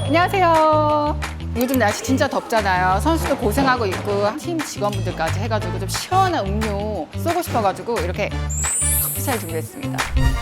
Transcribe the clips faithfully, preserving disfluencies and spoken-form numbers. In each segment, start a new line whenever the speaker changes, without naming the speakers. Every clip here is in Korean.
안녕하세요. 요즘 날씨 진짜 덥잖아요. 선수도 고생하고 있고 팀 직원분들까지 해가지고 좀 시원한 음료 쏘고 싶어가지고 이렇게 커피차를 준비했습니다.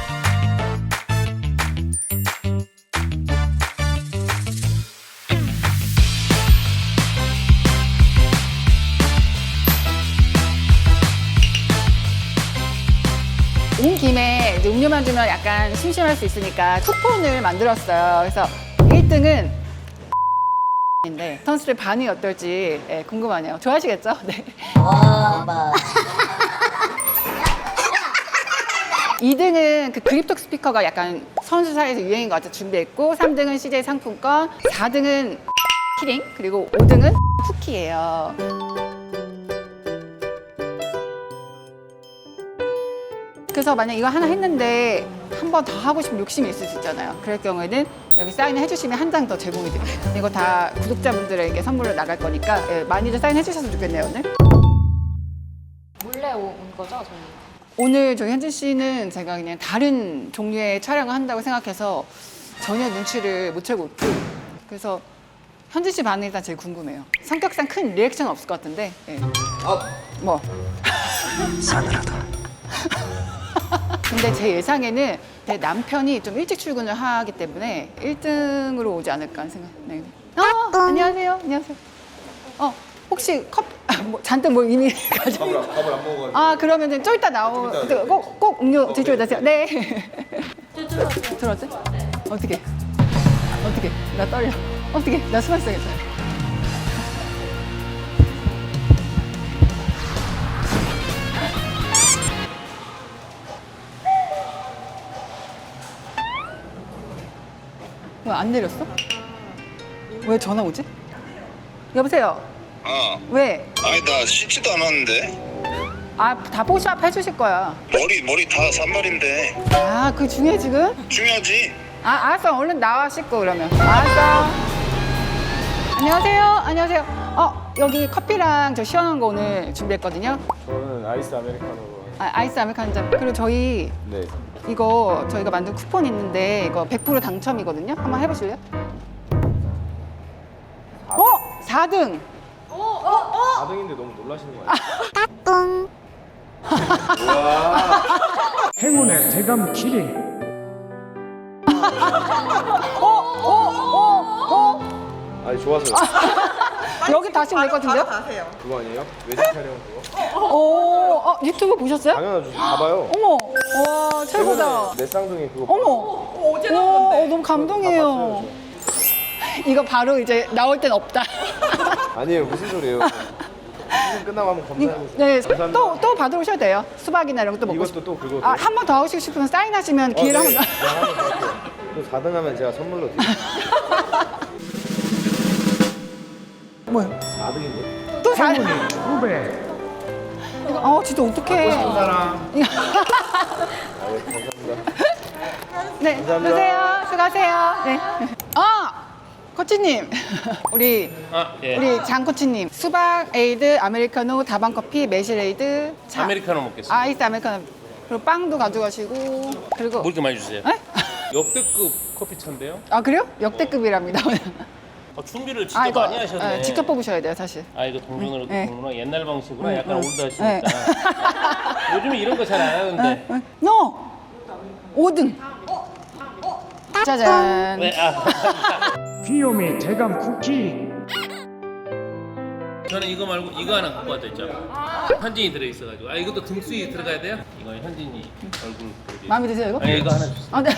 온 김에 이제 음료만 주면 약간 심심할 수 있으니까 쿠폰을 만들었어요. 그래서 일 등은 인데 선수들 반응이 어떨지 예, 궁금하네요. 좋아하시겠죠? 네. 이 등은 그 그립톡 스피커가 약간 선수 사이에서 유행인 것 같아서 준비했고, 삼 등은 씨제이 상품권, 사 등은 키링, 그리고 오 등은 쿠키예요. 그래서 만약 이거 하나 했는데 한 번 더 하고 싶은 욕심이 있을 수 있잖아요. 그럴 경우에는 여기 사인을 해주시면 한 장 더 제공이 됩니다. 이거 다 구독자분들에게 선물로 나갈 거니까 예, 많이들 사인해 주셨으면 좋겠네요, 오늘.
몰래 온 거죠, 저희?
오늘 저희 현진 씨는 제가 그냥 다른 종류의 촬영을 한다고 생각해서 전혀 눈치를 못 채고 있고, 그래서 현진 씨 반응이 일단 제일 궁금해요. 성격상 큰 리액션 없을 것 같은데. 예. 뭐.
싸늘하다.
근데 제 예상에는 제 남편이 좀 일찍 출근을 하기 때문에 일 등으로 오지 않을까 하는 생각. 네. 어, 안녕하세요. 안녕하세요. 어, 혹시 커피, 아, 뭐, 잔뜩 뭐 이미 가지고.
밥을, 밥을 안 먹어가지고.
아, 그러면 좀 이따 나오,
좀 이따
꼭, 꼭 음료
어,
드시고
네.
가세요. 네. 들어왔어요? 어떻게? 어떻게? 나 떨려. 어떻게? 나 숨어 있어야겠다. 왜 안 내렸어? 왜 전화 오지? 여보세요?
어.
왜?
아니 나 씻지도 않았는데.
아, 다 뽀샵 해주실 거야.
머리 머리 다 산발인데.
아, 그게 중요해 지금?
중요하지.
아, 알았어. 얼른 나와 씻고 그러면. 알았어. 안녕하세요. 안녕하세요. 어, 여기 커피랑 저 시원한 거 오늘 준비했거든요.
저는 아이스 아메리카노로.
아, 아이스 아메리카노 한 잔. 그리고 저희
네.
이거 저희가 만든 쿠폰 있는데 이거 백 퍼센트 당첨이거든요. 한번 해보실래요? 어? 사 등.
사 등인데 너무 놀라시는 거 아니에요?
행운의 대감 키링.
어? 어? 어? 어?
아니 좋아서요.
여기 다시 올 것 같은데요?
그거 아니에요? 외식 촬영 그거?
오, 어, 유튜브 보셨어요?
당연하죠. 봐봐요.
어머, 와, 최고다.
내 쌍둥이 그거.
어머, 어제 나왔는데. 어, 너무 감동이에요. 이거 바로 이제 나올 땐 없다.
아니에요. 무슨 소리예요? 시즌 끝나고 한번 검사해보세요.
네,
감사합니다.
또, 또 받으러 오셔도 돼요. 수박이나 이런 것도 먹고
이것도
싶어요.
또 그거.
아, 한 번 더 하시고 싶으면 사인하시면
어,
기회를
네.
한 번
네, 한번 더 할게요. 또 사 등 하면 제가 선물로 드릴게요.
더. 뭐요?
사 등인데?
또 사.
행운이 두 배.
어, 진짜 어떡해.
사람. 아, 네, 감사합니다.
네,
감사합니다.
드세요. 수고하세요. 네. 아! 코치님, 우리
아, 예.
우리 장 코치님, 수박 에이드, 아메리카노, 다방 커피, 매실 에이드, 차,
아메리카노 먹겠습니다.
아이스 아메리카노, 그리고 빵도 가져가시고, 그리고
뭐 이렇게 많이 주세요?
에?
역대급 커피차인데요?
아 그래요? 역대급이랍니다.
아, 준비를 진짜
아 이거
많이 하셨네.
예, 직접 뽑으셔야 돼요, 사실.
아 이거 동전으로
네.
보는구나. 옛날 방식으로
네,
약간
네.
올드하시니까. 요즘에 이런 거 잘 안 하는데.
노! 오 등. 짜잔.
네, 아, 감사합니다.
귀요미 대감 쿠키.
저는 이거 말고 이거 하나 갖고 왔다 했죠. 현진이 들어있어가지고. 아 이것도 등수에 들어가야 돼요? 이건 현진이 얼굴 그려져
마음에 드세요, 이거?
아 이거 하나 주세요.
아, 네.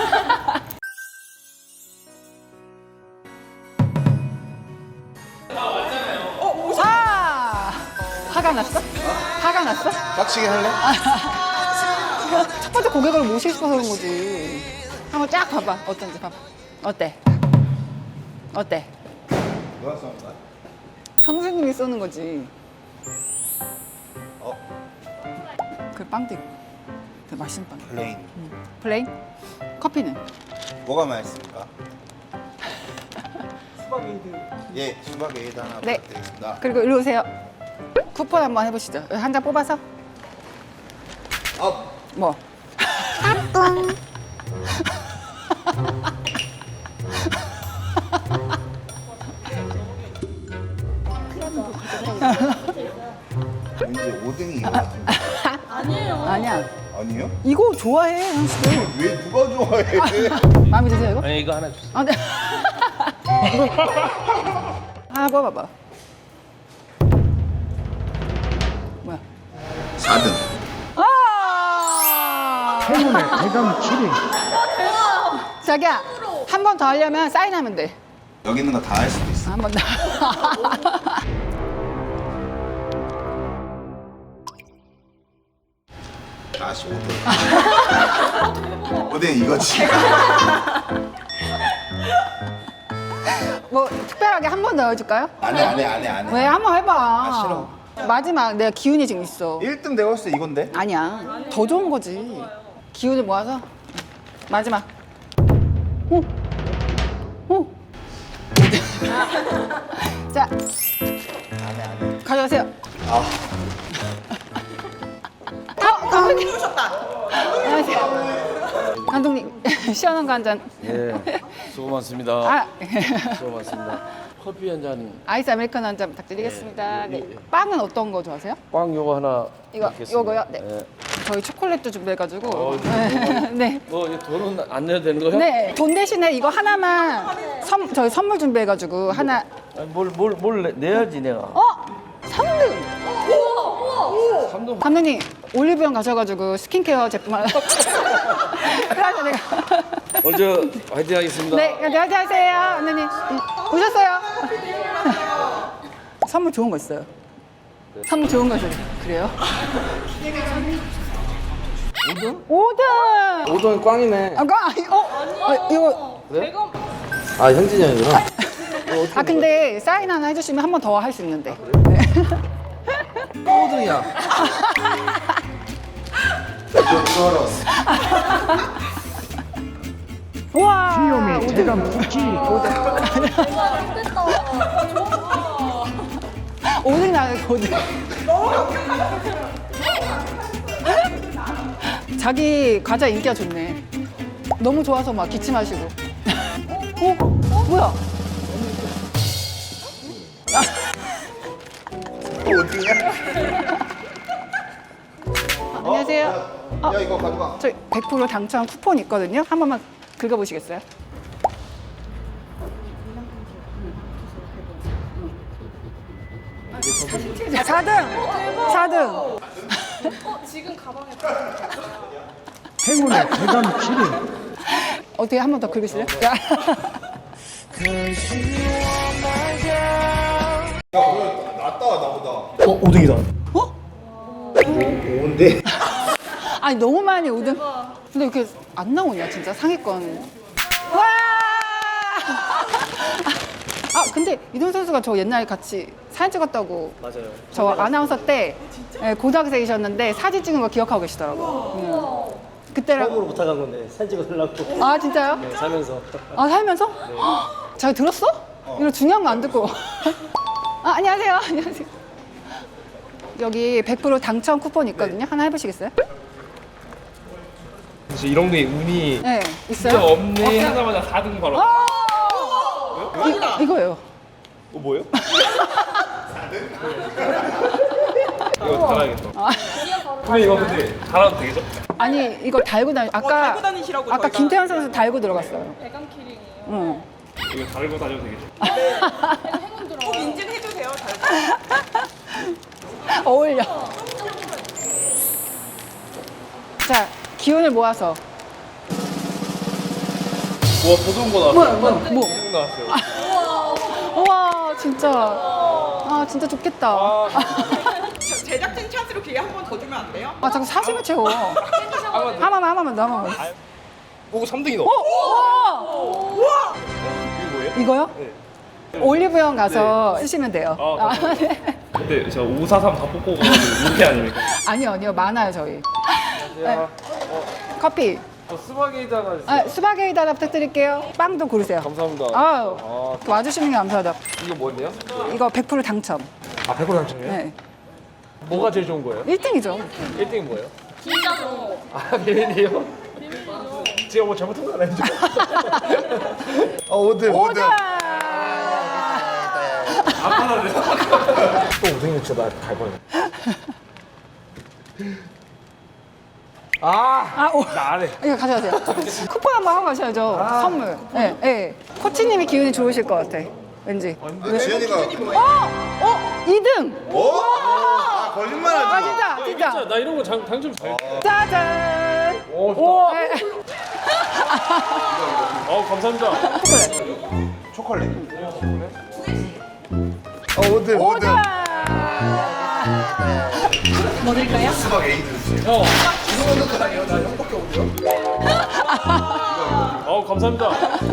아! 화가 났어? 화가 났어?
빡치게 할래?
첫 번째 고객을 모시고 싶어서 그런 거지. 한번 쫙 봐봐. 어떤지 봐봐. 어때? 어때?
누가 쏜 거야?
형수님이 쏘는 거지.
어?
그 빵도 있고. 그 맛있는 빵.
플레인.
응. 플레인? 커피는?
뭐가 맛있습니까? 수박 에이드. 예, 수박 에이드 하나
네.
부탁드리겠습니다.
그리고 일로 오세요. 쿠폰 한번 해보시죠. 한 장 뽑아서.
업.
뭐?
이제 오뎅이 이거 같은데.
아니야.
아니에요?
이거 좋아해, 현식이.
왜 누가 좋아해?
마음에 드세요, 이거?
아니 이거 하나 주세요.
아, 네. 하나 뽑아봐. 뭐야?
사 등.
아!
행운의 대감 기린.
자기야, 한 번 더 하려면 사인하면 돼.
여기 있는 거 다 할 수도 있어.
한 번 더.
다시 오뎅. 오뎅 이거지.
뭐 특별하게 한 번 더 해줄까요?
안해 안해 안해 안해.
왜? 한 번 해봐.
아, 싫어.
마지막 내가 기운이 지금 있어.
일 등 내가 봤을 때 이건데?
아니야. 더 좋은 거지. 기운을 모아서 마지막. 오. 오. 자,
안해 안해.
가져가세요.
아.
어, 감독님. 안녕하세요. 감독님, 시원한 거 한 잔.
예, 수고 많습니다.
아,
수고 많습니다. 커피 한 잔,
아이스 아메리카노 한 잔 부탁드리겠습니다. 네. 빵은 어떤 거 좋아하세요?
빵 요거 하나.
이거,
먹겠습니다.
요거요? 네.
예.
저희 초콜릿도 준비해가지고.
어,
네.
뭐 이거 돈은 안 내야 되는 거야?
네. 돈 대신에 이거 하나만 선, 저희 선물 준비해가지고 하나.
아니, 뭘, 뭘, 뭘 내, 내야지 내가.
어? 삼 등!
삼 등.
감독님, 올리브영 가셔가지고 스킨케어 제품 하나. 그래서 내가.
먼저 화이팅 하겠습니다.
네, 안녕하세요, 감독님. 음, 오셨어요? 선물 좋은 거 있어요. 선물 좋은 거 있어요. 그래요? 오 등? 오 등!
오 등 꽝이네.
아, 아, 어? 아, 이거.
아, 현진이 형이구나.
아, 근데 사인 하나 해주시면 한 번 더 할 수 있는데.
오 등이야.
우와!
귀요미 대감 쿠키.
오 등 나요, 오 등. 자기 과자 인기가 좋네. 너무 좋아서 막 기침하시고. 어? 뭐야?
또 오등이야?
안녕하세요.
야, 야 이거 가져가.
저희 백 퍼센트 당첨 쿠폰 있거든요. 한 번만 긁어보시겠어요? 사 등! 사 등!
행운의 대감 기린.
어떻게 한 번 더 긁으실래요?
야, 그래 낫다 나보다.
어, 오등이다.
오인데?
아니 너무 많이 오 등. 근데 이렇게 안 나오냐 진짜 상위권. 와! 아 근데 이동 선수가 저 옛날에 같이 사진 찍었다고.
맞아요.
저 아나운서 때 예, 고등학생이셨는데 사진 찍은 거 기억하고 계시더라고요. 음. 그때랑.
처음으로 부탁한 건데 사진 찍어달라고
아 진짜요?
네, 살면서
아 살면서? 잘 들었어? 이런 중요한 거 안 듣고. 아 안녕하세요. 안녕하세요. 여기 백 퍼센트 당첨 쿠폰 있거든요. 하나 해보시겠어요?
사실 이런 게 운이
네,
진짜
있어요?
없네 하자마자 사 등 바로.
이, 이거예요.
어 뭐예요? 이거 달아야겠다. 근데 이거 근데 달아도 되겠죠?
아니 이거 달고 다니. 아까
달고 다니시라고
아까
저희가.
김태현 선수 달고 들어갔어요. 대감 키링이에요. 응.
이거 달고 다녀도 되겠죠?
꼭 인증해주세요.
어울려. 자 기운을 모아서.
우와 더 좋은 거 나왔어요.
뭐야 뭐야 뭐.
더 나왔어요.
우와 진짜. 아 진짜 좋겠다.
저 제작진 찬스로 기회 한 번 더 주면 안 돼요?
아 자꾸 사심을 채워. 한 번만 한 번만 더 한 번만.
오 삼 등이다.
어? 우와!
이거 뭐예요?
이거요? 올리브영 가서 쓰시면 돼요.
아,
아, 네.
근데 제가 오사삼 다 뽑고 가지고 이렇게 아닙니까?
아니요 아니요 많아요 저희. 네. 커피.
어, 스파게티 하나 주세요.
아, 수박에이드 하나 부탁드릴게요. 빵도 고르세요.
감사합니다.
아유,
아,
와주시는 게 감사하다.
이거 뭐예요?
이거 백 퍼센트 당첨.
아, 백 퍼센트 당첨이에요?
네.
뭐가 제일 좋은 거예요?
일 등이죠.
일 등이 뭐예요? 비밀번호. 아, 비밀이요? 제가 뭐 잘못한 거 아니죠?
어 오등
오등!
오등.
또 우승이 진짜 나갈 뻔해. 아,
아, 오.
나 안 해.
이거 가져가세요. 쿠폰 한번 하고 가셔야죠. 선물. 네, 네. 코치님이 기운이 좋으실 것 같아. 왠지.
지현이가
어! 어! 이 등!
오! 아 거짓말하지
아,
마.
진짜, 진짜.
진짜 나 이런 거 당, 당첨 잘.
짜잔!
오, 좋다.
네.
어 감사합니다.
초콜릿. 어 오등 오등.
뭐 드릴까요?
수박 에이드.
형. 어 감사합니다.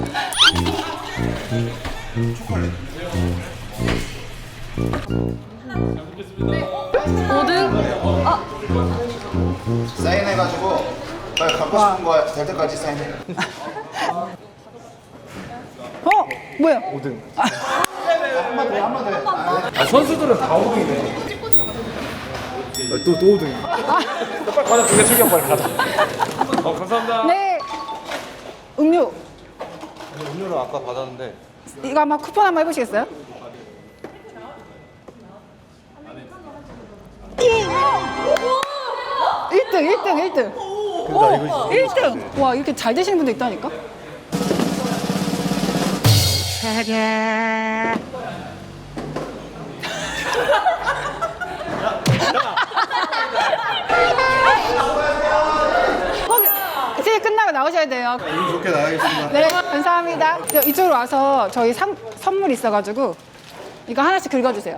오 등?
사인해가지고 빨리 갖고 싶은 거 될 때까지 사인해.
어? 뭐야?
아, 선수들은 다 오 등이네. 또또 오 등이야. 빨리 가자. 두개 챙겨 빨리 가자. 어 감사합니다.
네. 음료.
음료를 아까 받았는데
이거 아마 쿠폰 한번 해보시겠어요? 일 등, 일 등, 일 등. 오, 일 등. 와, 이렇게 잘 되시는 분도 있다니까? 어, 이제 끝나고 나오셔야 돼요.
기분 좋게 나가겠습니다.
네, 감사합니다. 저 이쪽으로 와서 저희 상, 선물 있어가지고 이거 하나씩 긁어주세요.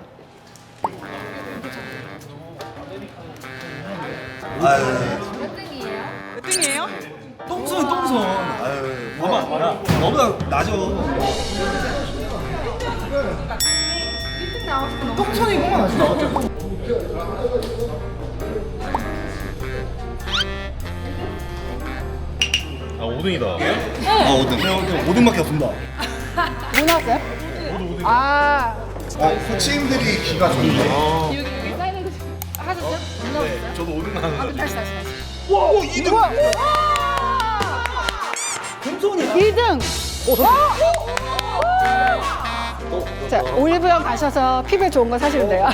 몇 등이에요?
똥손 똥손.
아유
봐봐 봐라. 너보다 낮아.
아 오 등이다.
아 오등.
오 등밖에 없습니다.
뭐 나왔어요? 아,
어 코치님들이 기가 좋네.
여기 여기 사인해도 하셨어요? 못 나왔어요?
저도 오 등
아,
나왔는데.
다시 다시 다시. 와, 이 등. 우와,
금손이야.
이 등. 자, 올리브영 가셔서 피부에 좋은 거 사시면 돼요.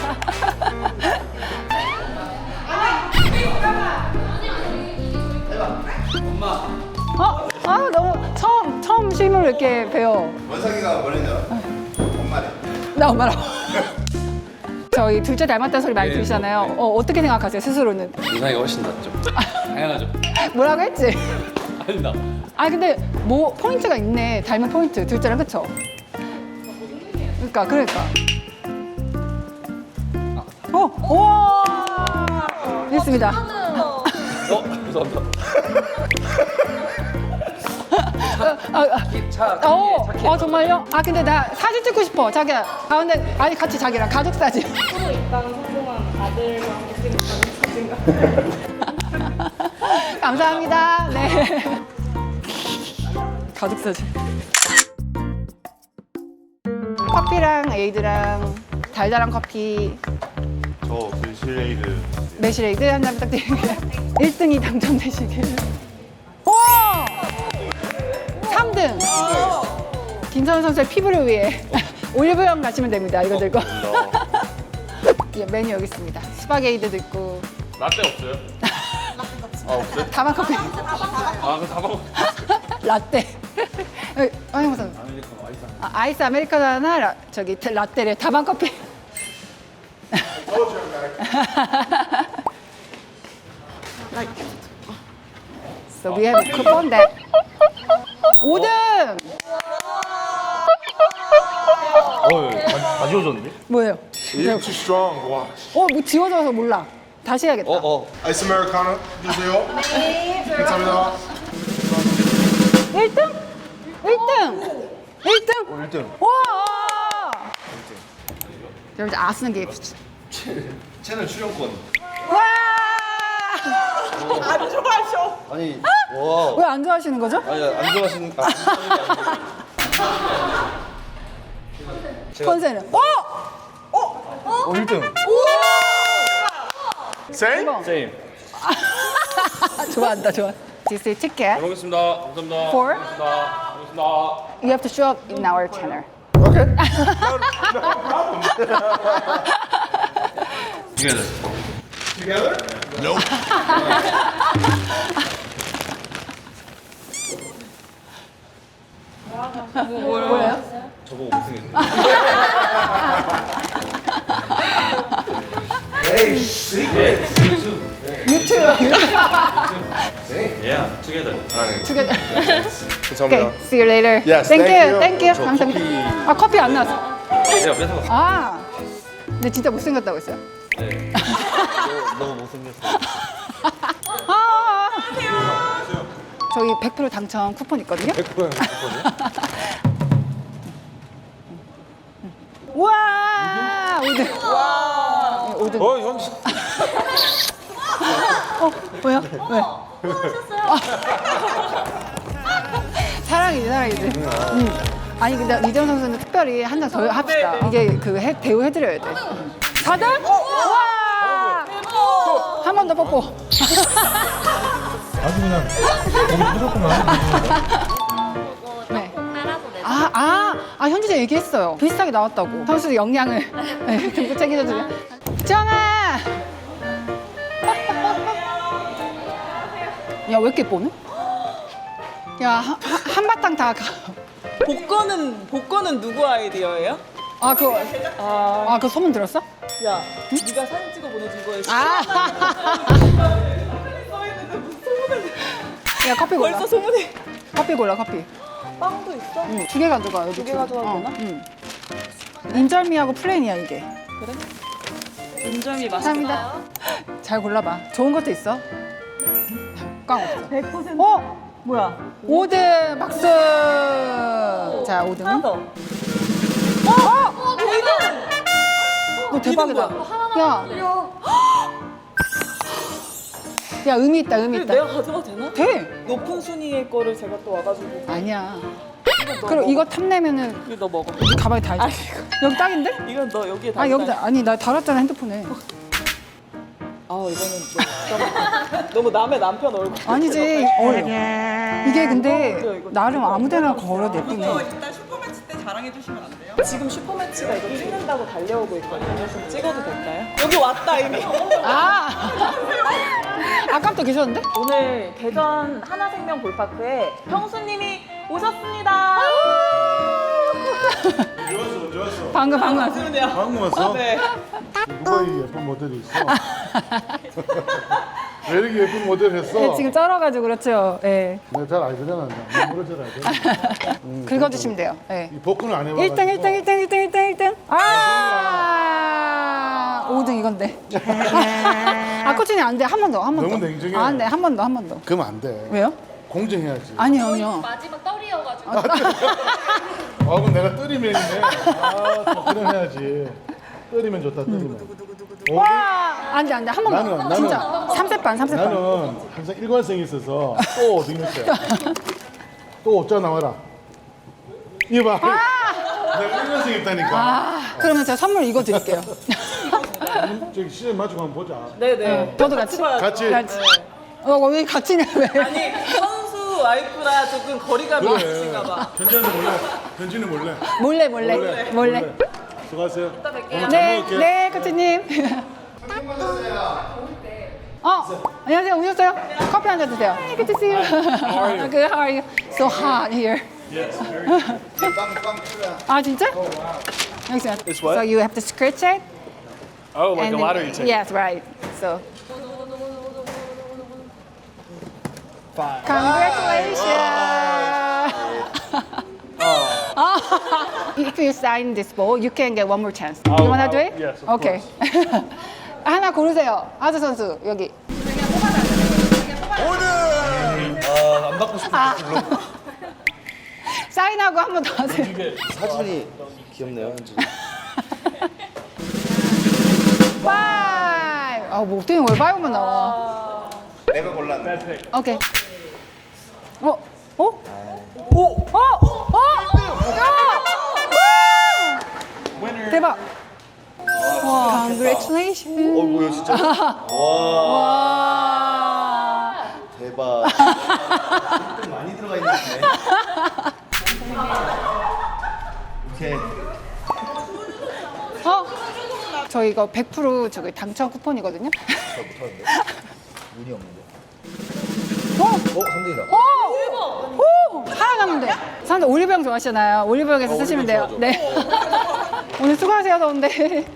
어? 아, 너무 처음 처음 실물을 이렇게 배워.
원상이가 뭐랬냐? 엄마래.
나 엄마랑. 저희 둘째 닮았다는 소리 많이 들으시잖아요. 어, 어떻게 생각하세요, 스스로는?
이상이 훨씬 낫죠. 당연하죠.
뭐라고 했지?
아니다.
아 근데 뭐 포인트가 있네. 닮은 포인트. 둘째랑 그쵸? 그러니까 그러니까. 어, 와, 됐습니다.
어 감사합니다.
아, 아, 어, 아 정말요? 아 근데 나 사진 찍고 싶어. 자기야. 가운데 아니 같이 자기랑 가족 사진. 프로 입당 성공한 아들과 함께 찍은 가족 사진. 감사합니다. 네. 가족 사진. 커피랑 에이드랑 달달한 커피,
저 글실레이드.
매실에이드 한 잔 부탁드립니다. 일 등이 당첨되시길. 와! 삼 등. 김선우 선수의 피부를 위해 올리브영 가시면 됩니다. 이거 들고. 예, 메뉴 여기 있습니다. 스파게이드도 있고.
라떼 없어요? 아 없어요?
다방 커피.
아 그럼 다 먹어.
라떼. 아니 무슨? 아, 아이스 아메리카노 하나, 라, 저기 테- 라떼래. 다방 커피. So we have a coupon that. 오 등.
어, 다 지워졌는데?
뭐예요?
Too strong. 와.
어, 뭐 지워져서 몰라. 다시 해야겠다.
어.
아이스 아메리카노 주세요. 네. 감사합니다.
일 등? 일 등! 일 등!
어, 일 등.
와! 여러분, 아스는 게
채널 출연권.
와!
안 좋아하셔.
아니, 와.
왜 안 좋아하시는 거죠?
아니, 안 좋아하시는, 아,
컨셉은. 어!
어, 일 등.
Same?
쌤.
좋아한다, 좋아. This is ticket.
먹겠습니다. 감사합니다.
For?
감사합니다. 감사합니다.
You have to show up in our channel.
Okay.
Together.
Together?
뭐예요?
저보고 우승했네.
유튜브.
Yeah, together.
두개.
감사합니다.
Okay, see you later.
Yes,
thank
thank
you,
you.
thank you.
저
감사합니다. 아 커피 안 나왔어.
내가 뺏어갔어.
아, 근데 진짜 못생겼다고 했어요.
네.
너무 못생겼어.
아, 저희 백 퍼센트 당첨 쿠폰 있거든요.
백 퍼센트
우와, 오등. 와, 오등.
어, 현지.
어, 뭐야? 왜? 사랑이지, 사랑이지. 음. 아니 근데 이재원 선수는 특별히 한 장 더 합시다. 이게 그 해, 대우 해드려야 돼. 사등? 와! 한 번 더 뽀뽀.
아주 그냥 거기 터졌구나.
네. 아, 아, 아 현지자 얘기했어요. 비슷하게 나왔다고. 선수 역량을 네, 듬뿍 챙겨주면. 정아. 야, 왜 이렇게 뽀네? 야, 한, 한바탕 다 가.
복권은 복권은 누구 아이디어예요?
아, 그거. 아, 그거 소문 들었어?
야, 네가 사진 찍어 보내준 거에
아. 야, 커피 골라.
벌써 소문이.
커피 골라, 커피.
빵도 있어?
응, 두 개 가져가, 여기.
두 개
두
가져가도
어,
되나?
응. 인절미하고 플레인이야, 이게.
인절미 맛있다.
감사합니다. 잘 골라봐. 좋은 것도 있어. 꽝 없어.
백 퍼센트.
어?
뭐야?
오 등 박수. 자, 오 등은.
하나 더.
어? 이 등. 너 대박이다. 야. 야, 의미 있다, 의미 있다.
내가 가져가도 되나?
돼.
높은 순위의 거를 제가 또 와가지고.
아니야.
너
그럼
먹어.
이거 탐내면은
이거 너 먹어.
이 가방에 다
아,
있어. 여기 딱인데?
이건 너 여기에 다.
아, 여기다. 아니, 나 달았잖아, 핸드폰에.
아, 이거는 너무, 너무 남의 남편 얼굴.
아니지. 어려. 이게 근데
어, 이거
나름 아무데나 걸어 내쁘네.
일단 슈퍼매치 때 자랑해 주시면 안 돼요? 지금 슈퍼매치가 이거 찍는다고 달려오고 있거든요. 좀 찍어도 될까요? 여기 왔다 이미.
아, 아까부터 계셨는데?
오늘 대전 하나생명 볼파크에 형수님이 오셨습니다.
좋았어, 좋았어.
방금 방금.
맞으면요.
방금 왔어?
네.
누가 이 예쁜 모델이 있어? 왜 이렇게 예쁜 모델 했어?
네, 지금 쩔어가지고 그렇죠. 예.
내가 잘 알잖아. 나 모르 잘 알잖아. 음,
긁어주시면 돼요. 예.
이 복근을 안 해봐.
일 등, 일 등, 일 등, 일 등, 일 등, 일 등. 아, 오 등 이건데. 아, 코치님 안 돼. 한 번 더, 한 번 더.
너무 냉정해.
아, 안 돼. 한 번 더, 한 번 더.
그러면 안 돼.
왜요?
공정해야지.
아니요, 아니요.
마지막 떨이어가지고
아, 그럼 내가 뜨리맨이네. 아, 또 그럼 해야지. 뜨리면 좋다, 뜨리면. 어?
와, 안 돼, 안 돼. 한 번 더.
나는, 나는-
진짜. 삼 세 반, 삼 세 반.
나는 항상 일관성이 있어서 또 어디 있어요? 또 어쩌 나와라. 이봐. 내가 일관성이 있다니까.
아, 그러면 제가 선물 이거 드릴게요.
저기 시즌 맞추고 한번 보자.
네네.
저도 같이.
같이.
같이. 어, 왜 같이냐, 왜?
아니 선수 와이프라 조금 거리감이
그래.
있으신가 봐.
현지는 몰래. 현지는 몰래.
몰래, 몰래. 몰래.
몰래. 수고하세요.
이따 뵐게요.
네,
먹을게요.
네, 코치님. 어, 안녕하세요. 오셨어요? 커피 한 잔 드세요. Hey, good to see you. Good, how are you? So hot here. 아, 진짜? 여기 있어요.
It's what?
So you have to scratch it.
Oh, like
and
a
then-
lottery ticket.
Yes, right. So.
Five.
Congratulations! If you sign this ball, you can get one more chance.
I'll-
you wanna do
I'll-
it?
yes, of
Okay. 하나 고르세요. 하주 선수 여기.
아, 안 받고 싶어.
사인하고 한 번 더 하세요.
사진이 귀엽네요, 현지.
파이브. 아, 뭐 어떻게 왜 파이브만 나와?
내가 골랐네.
오케이. 어? 어? 오! 어? 어? 야! 대박. 와, congratulations.
어, 뭐야, 진짜? 와,
와.
대박. 많이 들어가 있네. 오케이.
어? 저 이거 백 퍼센트 저기 당첨 쿠폰이거든요.
잘 못하는데.
운이 없는데.
어?
어, 삼등이다.
오! 오! 살아가면 돼. 사람들 올리브영 좋아하시잖아요. 올리브영에서 쓰시면 돼요. 네. 오늘 수고하세요, 더운데.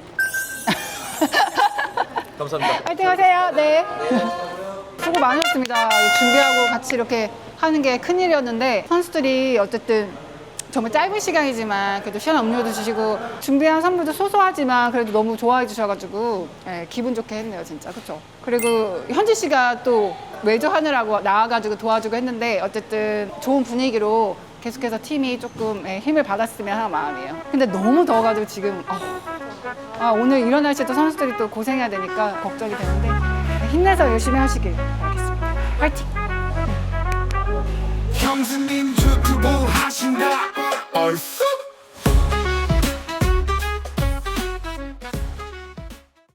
감사합니다.
파이팅 하세요. 네. 수고 많으셨습니다. 준비하고 같이 이렇게 하는 게 큰일이었는데 선수들이 어쨌든 정말 짧은 시간이지만 그래도 시원한 음료도 주시고 준비한 선물도 소소하지만 그래도 너무 좋아해 주셔가지고 예, 기분 좋게 했네요 진짜. 그렇죠. 그리고 현지 씨가 또 외조하느라고 나와가지고 도와주고 했는데 어쨌든 좋은 분위기로 계속해서 팀이 조금 예, 힘을 받았으면 하는 마음이에요. 근데 너무 더워가지고 지금 어, 아, 오늘 이런 날씨에 또 선수들이 또 고생해야 되니까 걱정이 되는데 힘내서 열심히 하시길 바라겠습니다. 화이팅!
형수님 유튜브 하신다.